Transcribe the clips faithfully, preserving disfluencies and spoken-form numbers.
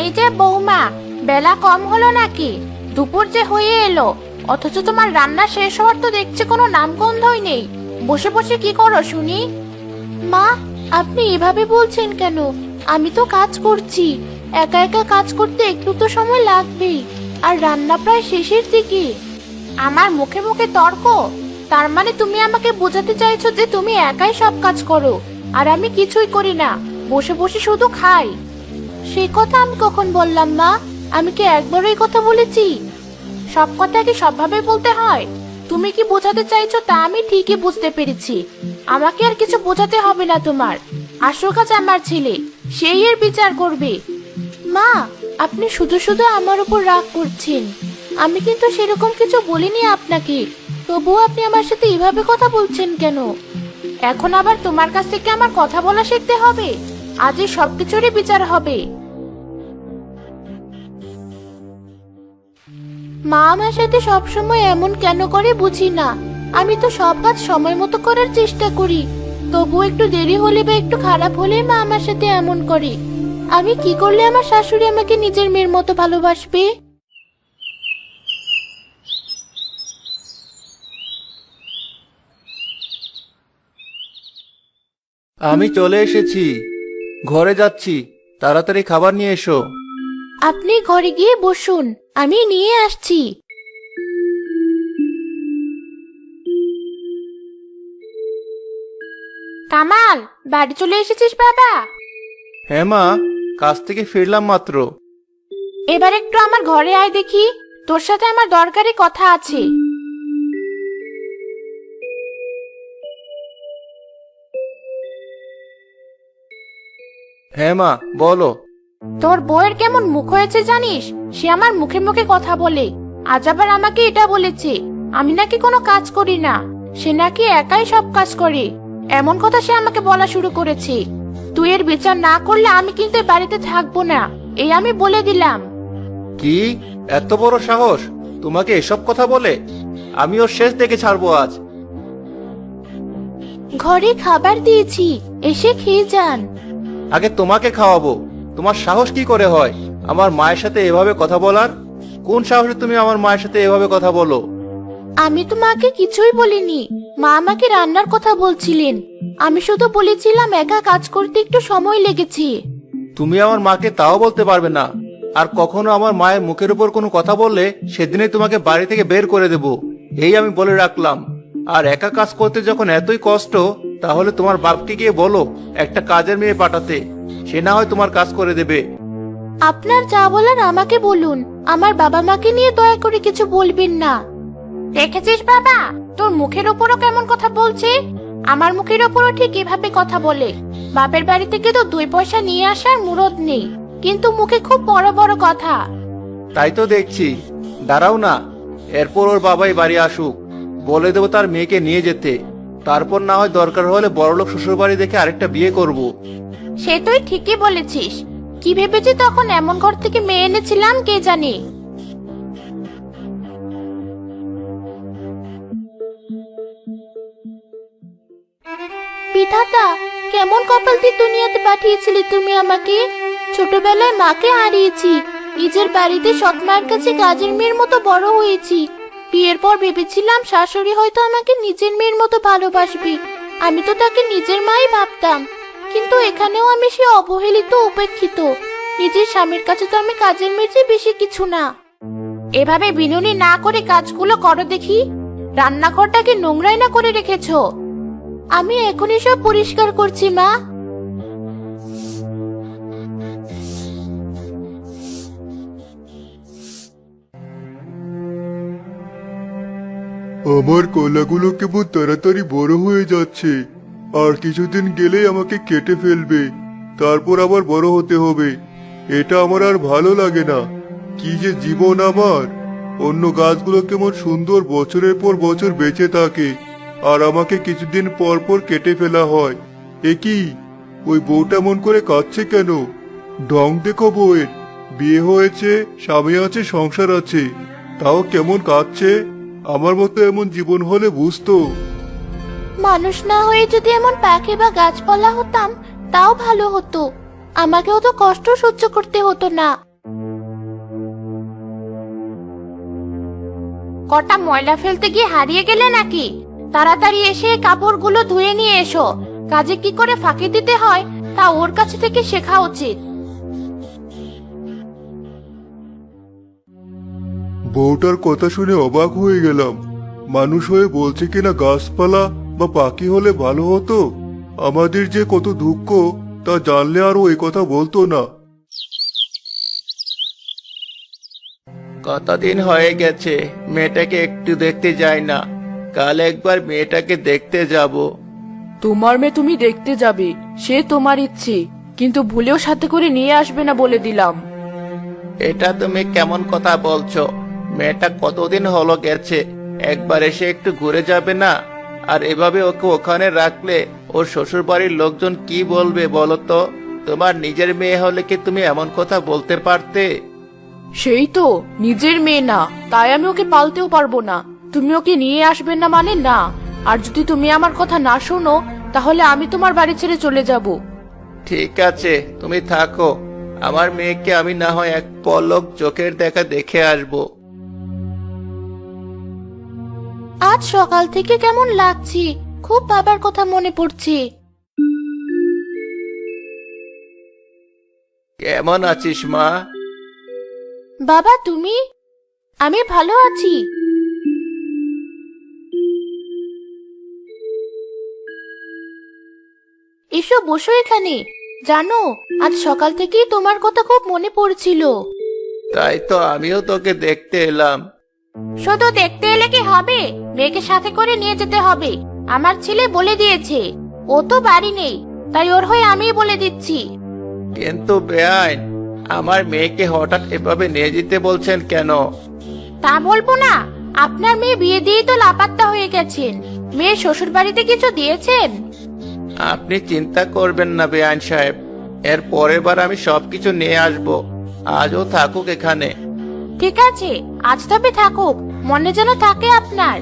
এই যে বৌমা, বেলা কম হলো নাকি? দুপুর যে হয়ে এলো, অথচ তোমার রান্না শেষ হওয়ার তো দেখছি কোনো নামগন্ধই নেই। বসে বসে কি করো শুনি? মা, আপনি এভাবে বলছেন কেন? আমি তো কাজ করছি। একা একা কাজ করতে একটু তো সময় লাগবেই, আর রান্না প্রায় শেষের দিকে। আমার মুখে মুখে তর্ক? তার মানে তুমি আমাকে বোঝাতে চাইছো যে তুমি একাই সব কাজ করো, আর আমি কিছুই করি না, বসে বসে শুধু খাই? সে কথা আমি কখন বললাম মা? আমি কি একবারও এই কথা বলেছি? সব কথা কি সবভাবে বলতে হয়? তুমি কি বোঝাতে চাইছো তা আমি ঠিকই বুঝতে পেরেছি। আমাকে আর কিছু বোঝাতে হবে না তোমার। আসল কাজ আমার ছেলে, সেই এর বিচার করবে। মা, আপনি শুধু শুধু আমার উপর রাগ করছেন। আমি কিন্তু সেরকম কিছু বলিনি আপনাকে, তবুও আপনি আমার সাথে এভাবে কথা বলছেন কেন? এখন আবার তোমার কাছ থেকে আমার কথা বলা শিখতে হবে? আজই সবকিছুরই বিচার হবে। মা আমার সাথে সবসময় এমন কেন করে বুঝি না। আমি তো সব কাজ সময় মতো করার চেষ্টা করি, তবু একটু দেরি হলে বা একটু খারাপ হলে মা আমার সাথে এমন করে। আমি কি করলে আমার শাশুড়ি আমাকে নিজের মেয়ের মতো ভালোবাসবে? আমি চলে এসেছি, ঘরে যাচ্ছি, তাড়াতাড়ি খাবার নিয়ে এসো। আপনি ঘরে গিয়ে বসুন, আমি নিয়ে আসছি। কামাল, বাড়ি চলে এসেছিস বাবা? হ্যাঁ মা, কাজ থেকে ফিরলাম মাত্র। এবার একটু আমার ঘরে আয় দেখি, তোর সাথে আমার দরকারি কথা আছে। হ্যাঁ মা, বলো। তোর বউয়ের কেমন মুখ হয়েছে জানিস? সে আমার মুখে মুখে কথা বলে। আজ আবার আমাকে এটা বলেছে আমি নাকি কোনো কাজ করি না, সে নাকি একাই সব কাজ করে। এমন কথা সে আমাকে বলা শুরু করেছে। তুই এর বিচার না করলে আমি কিন্তু এ বাড়িতে থাকবো না, এই আমি বলে দিলাম। কি এত বড় সাহস তোমাকে এসব কথা বলে? আমি ওর শেষ দেখে ছাড়বো আজ। ঘরে খাবার দিয়েছি, এসে খেয়ে যান। আগে তোমাকে খাওয়াবো। তোমার সাহস কি করে হয় আমার মায়ের সাথে এভাবে কথা বলার? কোন সাহসে তুমি আমার মায়ের সাথে এভাবে কথা বলো? আমি তো মাকে কিছুই বলিনি, মা আমাকে রান্নার কথা বলছিলেন। আমি শুধু বলেছিলাম একা কাজ করতে একটু সময় লেগেছে। তুমি আমার মাকে তাও বলতে পারবে না। আর কখনো আমার মায়ের মুখের উপর কোনো কথা বললে সেদিনই তোমাকে বাড়ি থেকে বের করে দেব, এই আমি বলে রাখলাম। আর একা কাজ করতে যখন এতই কষ্ট, তাহলে তোমার বাপকে গিয়ে বলো একটা কাজের মেয়ে পাঠাতে, সে না হয় তোমার কাজ করে দেবে। আপনার যা বলার আমাকে বলুন, আমার বাবা মাকে নিয়ে দয়া করে কিছু বলবেন না। দেখেছিস বাবা, তোর মুখের উপরও কেমন কথা বলছে? আমার মুখের উপরও ঠিক এভাবে কথা বলে। বাপের বাড়ি থেকে তো দুই পয়সা নিয়ে আসার মুরদ নেই, কিন্তু মুখে খুব বড় বড় কথা। তাই তো দেখছি। দাঁড়াও না, এরপর ওর বাবাই বাড়ি আসুক, বলে দেবো তার মেয়েকে নিয়ে যেতে। তারপর না হয় দরকার হলে বড়লোক শ্বশুর বাড়ি দেখে আরেকটা বিয়ে করব। সে তুই ঠিকই বলেছিস। কি ভেবেছি তখন এমন ঘর থেকে মেয়ে এনেছিলাম কে জানে। বিধাতা, কেমন কপাল দিয়ে দুনিয়াতে পাঠিয়েছিলি তুমি আমাকে। ছোটবেলায় মাকে হারিয়েছি, নিজের বাড়িতে সৎ মায়ের কাছে কাজের মেয়ের মতো বড় হয়েছি। বিয়ের পর ভেবেছিলাম শাশুড়ি হয়তো আমাকে নিজের মেয়ের মতো ভালোবাসবে, আমি তো তাকে নিজের মাই ভাবতাম। কিন্তু এখানেও আমি সে অবহেলিত, উপেক্ষিত। নিজের স্বামীর কাছে তো আমি কাজের মেয়ের চেয়ে বেশি কিছু না। এভাবে বিনুনি না করে কাজগুলো করো দেখি। রান্নাঘরটাকে নোংরাই না করে রেখেছো। আমি এখনই সব পরিষ্কার করছি মা। আমার কলাগুলো কেমন তাড়াতাড়ি বড় হয়ে যাচ্ছে, আর কিছুদিন গেলেই আমাকে কেটে ফেলবে, তারপর আবার বড় হতে হবে। এটা আমার আর ভালো লাগে না। কি যে জীবন আমার! অন্য গাছগুলো কেমন সুন্দর বছরের পর বছর বেঁচে থাকে, আর আমাকে কিছুদিন পর পর কেটে ফেলা হয়। এ কি, ওই বউটা মন করে কাঁদছে কেন? ঢং দেখো বউয়ের, বিয়ে হয়েছে, স্বামী আছে, সংসার আছে, তাও কেমন কাঁদছে। আমার মতো এমন জীবন হলে বুঝতো। মানুষ না হয়ে যদি এমন পাখি বা গাছপালা হতাম তাও ভালো হতো, আমাকেও তো কষ্ট সহ্য করতে হতো না। কটা ময়লা ফেলতে গিয়ে হারিয়ে গেলে নাকি? তাড়াতাড়ি এসে কাপড়গুলো ধুয়ে নিয়ে এসো। কাজে কি করে ফাঁকি দিতে হয় তা ওর কাছে থেকে শেখা উচিত। বউটার কথা শুনে অবাক হয়ে গেলাম। মানুষ হয়ে বলছে কিনা গাছপালা বা পাখি হলে ভালো হতো। আমাদের যে কত দুঃখ তা জানলে আর ও এই কথা বলতো না। কতদিন হয়ে গেছে মেয়েটাকে একটু দেখতে যাই না। কাল একবার মেয়েটাকে দেখতে যাব। তোমার মেয়ে তুমি দেখতে যাবে, সে তোমার ইচ্ছে, কিন্তু ভুলেও সাথে করে নিয়ে আসবে না বলে দিলাম। এটা তুমি কেমন কথা বলছো? মেয়েটা কতদিন হলো গেছে, একবার এসে একটু ঘুরে যাবে না? আর এভাবে ওকে ওখানে রাখলে ওর শ্বশুর বাড়ির লোকজন কি বলবে বলো তো? তোমার নিজের মেয়ে হলে কি তুমি এমন কথা বলতে পারতে? সেই তো নিজের মেয়ে না, তাই আমি ওকে পালতেও পারবো না। তুমি ওকে নিয়ে আসবে না মানে না। আর যদি তুমি আমার কথা না শোনো তাহলে আমি তোমার বাড়ি ছেড়ে চলে যাব। ঠিক আছে, তুমি থাকো। আমার মেয়েকে আমি না হয় এক পলক চোখের দেখা দেখে আসবো। আজ সকাল থেকে কেমন লাগছে, খুব বাবার কথা মনে পড়ছে। কেমন আছিস মা? বাবা তুমি? আমি ভালো আছি। এসো বসো এখানে। জানো, আজ সকাল থেকেই তোমার কথা খুব মনে পড়ছিল। তাই তো আমিও তোকে দেখতে এলাম। শুধু দেখতে এলে কি হবে? মেয়েকে সাথে করে নিয়ে যেতে হবে। আমার ছেলে বলে দিয়েছে। ও তো বাড়ি নেই, তাই ওর হয়ে আমিই বলে দিচ্ছি। কিন্তু বেআইন, আমার মেয়েকে হঠাৎ এভাবে নিয়ে যেতে বলছেন কেন? তা বলবো না। আপনার মেয়ে বিয়ে দিয়েই তো লাপাত্তা হয়ে গেছেন। মেয়ে শ্বশুর বাড়িতে কিছু দিয়েছেন? আপনি চিন্তা করবেন না বেআইন সাহেব, এর পরের বার আমি সবকিছু নিয়ে আসব। আজও থাকুক এখানে। ঠিক আছে, আজ তবে থাকুক, মনে যেন থাকে আপনার।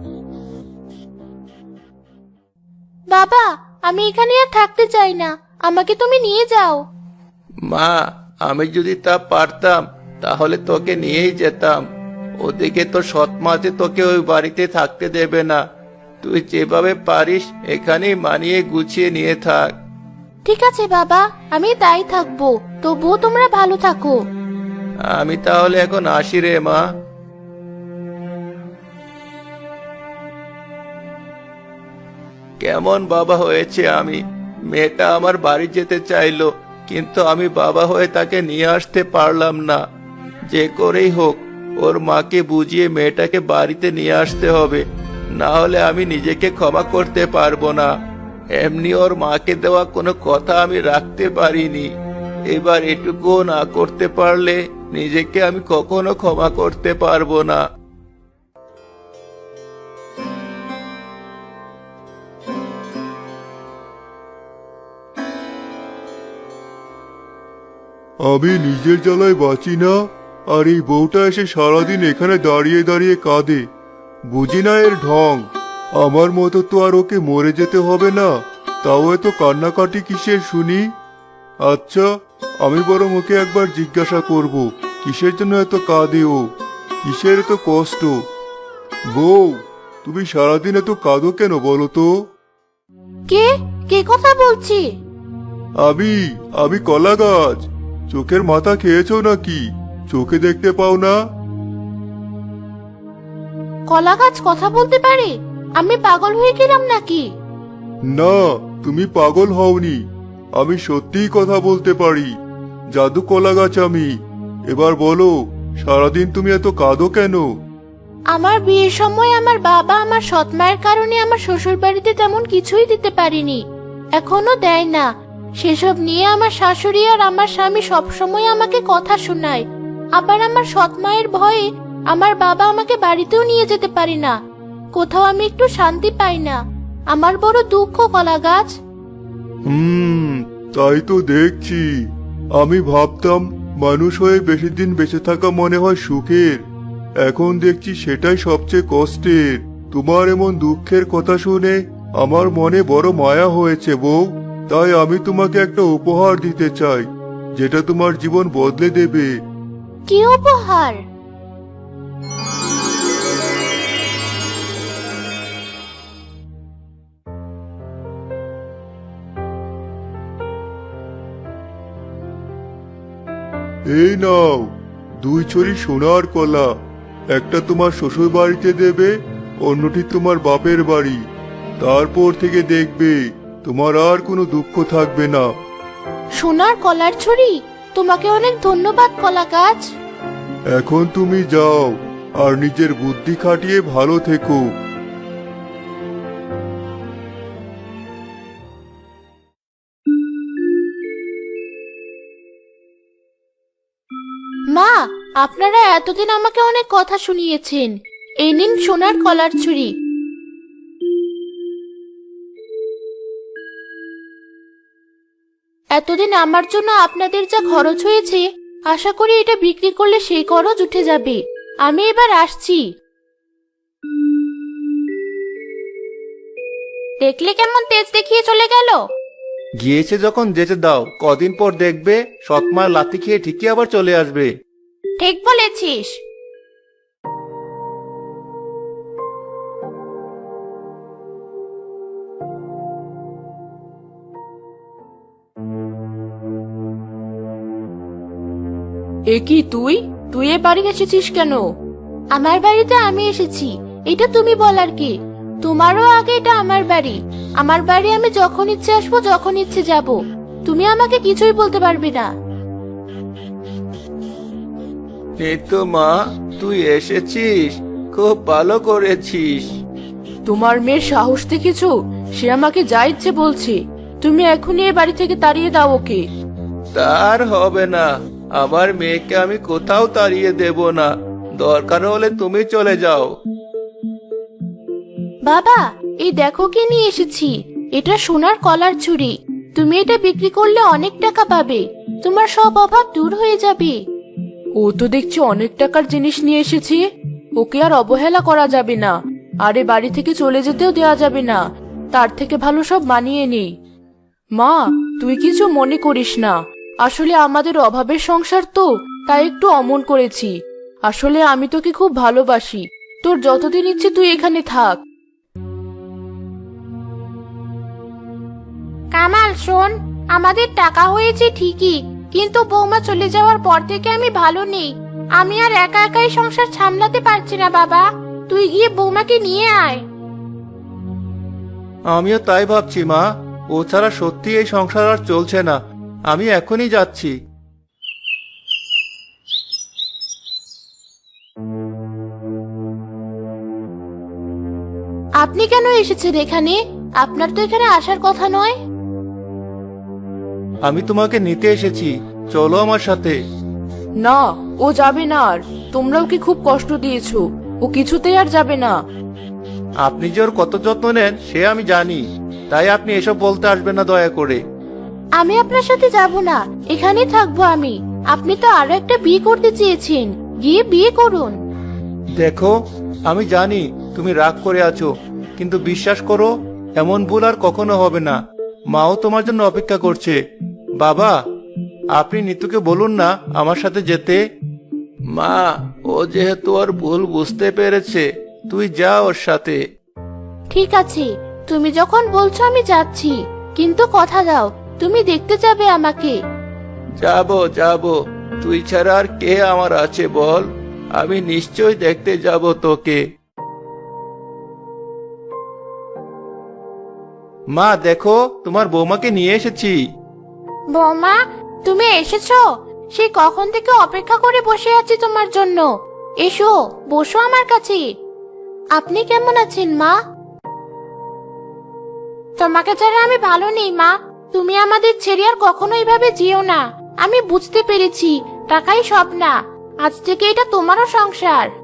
বাবা, আমি এখানে আর থাকতে চাই না, আমাকে তুমি নিয়ে যাও। মা, আমি যদি তা পারতাম তাহলে তোকে নিয়েই যেতাম। ওদিকে তো সৎ মা যে তোকে ওই বাড়িতে থাকতে দেবে না। তুই যেভাবে পারিস এখানেই মানিয়ে গুছিয়ে নিয়ে থাক। ঠিক আছে বাবা, আমি তাই থাকবো, তবুও তোমরা ভালো থাকো। আমি তাহলে এখন আসি রে মা। কেমন বাবা হয়েছে আমি! মেয়েটা আমার বাড়ি যেতে চাইলো, কিন্তু আমি বাবা হয়ে তাকে নিয়ে আসতে পারলাম না। যে করেই হোক ওর মাকে বুঝিয়ে মেয়েটাকে বাড়িতে নিয়ে আসতে হবে, না হলে আমি নিজেকে ক্ষমা করতে পারবো না। এমনি ওর মাকে দেওয়া কোনো কথা আমি রাখতে পারিনি। এবার এটুকুও না করতে পারলে নিজেকে আমি কখনো ক্ষমা করতে পারবো না। আমি নিজের জ্বালায় বাঁচি না, আর এই বউটা এসে সারাদিন এখানে দাঁড়িয়ে দাঁড়িয়ে কাঁদে। বুঝি না এর ঢং। আমার মতো তো আর ওকে মরে যেতে হবে না, তাও এত কান্নাকাটি কিসের শুনি? আচ্ছা, আমি বরং ওকে একবার জিজ্ঞাসা করব কিসের জন্য এত কাঁদে ও, কিসের এত কষ্ট। বউ, তুমি সারাদিন এত কাঁদো কেন বলো তো? কে কে কথা বলছি? আমি আমি কলা গাছ। চোখের মাথা খেয়েছো নাকি? চোখে দেখতে পাও না? কলা গাছ কথা বলতে পারে? আমি পাগল হয়ে গেলাম নাকি? না, তুমি পাগল হওনি। আমি সত্যিই কথা বলতে পারি। জাদু কলা গাছ আমি। এবার বলো, সারাদিন তুমি এত কাঁদো কেন? আমার বিয়ের সময় আমার বাবা আমার সৎ মায়ের কারণে আমার শ্বশুর বাড়িতে তেমন কিছুই দিতে পারিনি, এখনো দেয় না। সেসব নিয়ে আমার শাশুড়ি আর আমার স্বামী সবসময় আমাকে কথা শোনায়। আবার আমার সৎ মায়ের ভয়ে আমার বাবা আমাকে বাড়িতেও নিয়ে যেতে পারে না। কোথাও আমি একটু শান্তি পাই না। আমার বড় দুঃখ কলা গাছ। হুম, তাই তো দেখছি। আমি ভাবতাম মানুষ হয়ে বেশি দিন বেঁচে থাকা মনে হয় সুখের, এখন দেখছি সেটাই সবচেয়ে কষ্টের। তোমার এমন দুঃখের কথা শুনে আমার মনে বড় মায়া হয়েছে বউ। তাই আমি তোমাকে একটা উপহার দিতে চাই, যেটা তোমার জীবন বদলে দেবে। কি উপহার? এই নাও দুই ছড়ি সোনার কলা, একটা তোমার শ্বশুর বাড়িতে দেবে, অন্যটি তোমার বাপের বাড়ি। তারপর থেকে দেখবে তোমার আর কোনো দুঃখ থাকবে না। সোনার কলার ছড়ি, তোমাকে অনেক ধন্যবাদ কলা গাছ। এখন তুমি যাও আর নিজের বুদ্ধি খাটিয়ে ভালো থেকো। মা, আপনারা এতদিন আমাকে অনেক কথা শুনিয়েছেন। এই নিন সোনার কলার ছুরি। এতদিন আমার জন্য আপনাদের যা খরচ হয়েছে, আশা করি এটা বিক্রি করলে সেই খরচ উঠে যাবে। আমি এবার আসছি। দেখলে কেমন তেজ দেখিয়ে চলে গেল। গিয়েছে যখন যেতে দাও, কদিন পর দেখবে সৎমার লাথি খেয়ে ঠিকই আবার চলে আসবে। ঠিক বলেছিস। এ কি তুই তুই এ বাড়ি এসেছিস কেন? আমার বাড়িতে আমি এসেছি, এটা তুমি বলার কি? তোমারও আগে এটা আমার বাড়ি। আমার বাড়ি আমি যখন ইচ্ছে আসবো, যখন ইচ্ছে যাব। তুমি আমাকে কিছুই বলতে পারবে না। এই তো মা, তুই এসেছিস, খুব ভালো করেছিস। তোমার মেয়ের সাহস দেখেছো? সে আমাকে যা ইচ্ছে বলছে। তুমি এখনই এ বাড়ি থেকে তাড়িয়ে দাও ওকে। তার হবে না, আমার মেয়েকে আমি কোথাও তাড়িয়ে দেব না। দরকার হলে তুমি চলে যাও। বাবা, এই দেখো কি নিয়ে এসেছি। এটা সোনার কলার ছুরি। তুমি এটা বিক্রি করলে অনেক টাকা পাবে। তোমার সব অভাব দূর হয়ে যাবে। ও তো দেখছি অনেক টাকার জিনিস নিয়ে এসেছে। ওকে আর অবহেলা করা যাবে না, আর এ বাড়ি থেকে চলে যেতেও দেওয়া যাবে না। তার থেকে ভালো সব মানিয়ে নেই। মা, তুই কিছু মনে করিস না। আসলে আমাদের অভাবের সংসার তো, তাই একটু অমন করেছি। আসলে আমি তোকে খুব ভালোবাসি। তোর যতদিন ইচ্ছে তুই এখানে থাক। কামাল শোন, আমাদের টাকা হয়েছে ঠিকই, কিন্তু বৌমা চলে যাওয়ার পর থেকে আমি ভালো নেই। আমি আর একা একাই সংসার সামলাতে পারছি না বাবা। তুই গিয়ে বৌমাকে নিয়ে আয়। আমিও তাই ভাবছি মা, ও ছাড়া সত্যি এই সংসার আর চলছে না। আমি এখনই যাচ্ছি। আপনি কেন এসেছেন এখানে? আপনার তো এখানে আসার কথা নয়। আমি তোমাকে নিতে এসেছি, চলো আমার সাথে। না, ও যাবে না। আর তোমরা ওকে খুব কষ্ট দিয়েছো। ও কিছুতেই আর যাবে না। আপনি যে ওর কত যত্ন নেন সে আমি জানি, তাই আপনি এসব বলতে আসবেন না দয়া করে। আমি আপনার সাথে যাব না, এখানেই থাকবো আমি। আপনি তো আরো একটা বিয়ে করতে চেয়েছেন, গিয়ে বিয়ে করুন। দেখো, আমি জানি তুমি রাগ করে আছো, কিন্তু বিশ্বাস করো এমন ভুল আর কখনো হবে না। মাও তোমার জন্য অপেক্ষা করছে। বাবা, আপনি নিতুকে বলুন না আমার সাথে যেতে। মা, ও যেহেতু ওর ভুল বুঝতে পেরেছে, তুই যা ওর সাথে। ঠিক আছে, তুমি যখন বলছো আমি যাচ্ছি, কিন্তু কথা দাও তুমি দেখতে যাবে আমাকে। যাব যাব, তুই ছাড়া আর কে আমার আছে বল? আমি নিশ্চয় দেখতে যাব তোকে। মা দেখো, তোমার বৌমাকে নিয়ে এসেছি। বৌমা, তুমি এসেছো? সেই কখন থেকে অপেক্ষা করে বসে আছি তোমার জন্য। এসো, বসো আমার কাছে। আপনি কেমন আছেন মা? তোমাকে ছাড়া আমি ভালো নেই মা। তুমি আমাদের ছেড়ে আর কখনো এইভাবে যেও না। আমি বুঝতে পেরেছি টাকাই সব না। আজ থেকে এটা তোমারও সংসার।